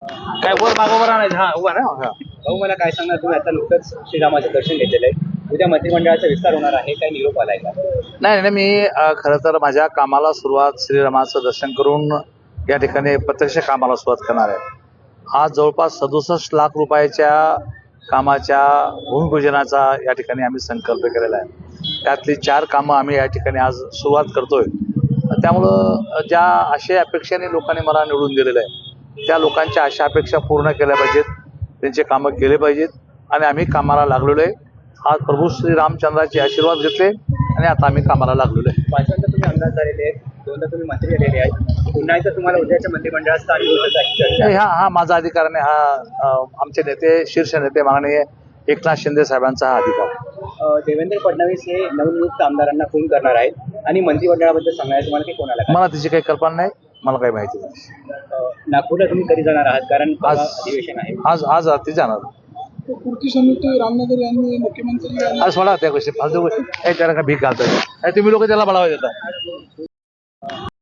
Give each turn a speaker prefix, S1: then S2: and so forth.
S1: काय वर मागोवर आणायचं हा उभा ना
S2: भाऊ मला काय सांगणार, तुम्ही आता नुकतंच श्रीरामाचं दर्शन घेतलेलं आहे, उद्या मंत्रिमंडळाचा विस्तार होणार आहे, काय निरोप आलाय का?
S1: नाही मी खरं तर माझ्या कामाला सुरुवात श्रीरामाचं दर्शन करून या ठिकाणी प्रत्यक्ष कामाला सुरुवात करणार आहे. आज जवळपास 67 लाख रुपयाच्या कामाच्या भूमिपूजनाचा या ठिकाणी आम्ही संकल्प केलेला आहे. त्यातली 4 कामं आम्ही या ठिकाणी आज सुरुवात करतोय. त्यामुळं ज्या आशय अपेक्षेने लोकांनी मला निवडून दिलेलं आहे त्या लोकांच्या आशा अपेक्षा पूर्ण केल्या पाहिजेत, त्यांचे कामं केले पाहिजेत आणि आम्ही कामाला लागलेलो आहे. आज प्रभू श्री रामचंद्राचे आशीर्वाद घेतले आणि आता आम्ही कामाला लागलेलो आहे.
S2: पाचव्यांदा तुम्ही आमदार झालेले आहेत, दोनदा तुम्ही मंत्री झालेले आहेत, पुन्हा एकदा तुम्हाला उद्याच्या मंत्रिमंडळात स्थान मिळवण्याची अशी चर्चा आहे.
S1: हा माझा अधिकार नाही, हा आमचे नेते शीर्ष नेते माननीय एकनाथ शिंदे साहेबांचा हा अधिकार.
S2: देवेंद्र फडणवीस हे नवनियुक्त आमदारांना फोन करणार आहेत आणि मंत्रिमंडळाबद्दल सांगायचं तुम्हाला की कोणाला काय?
S1: मला त्याची काही कल्पना नाही, मला काही माहिती नाही.
S2: नागपूरला तुम्ही कधी जाणार आहात, कारण अधिवेशन आहे?
S1: आज रात्री जाणार.
S3: कृती समिती रामनगर यांनी मुख्यमंत्री
S1: आज सोडा त्या गोष्टी फालतू गोष्टी त्याला का भीक घालतात तुम्ही लोक त्याला बळावा देता.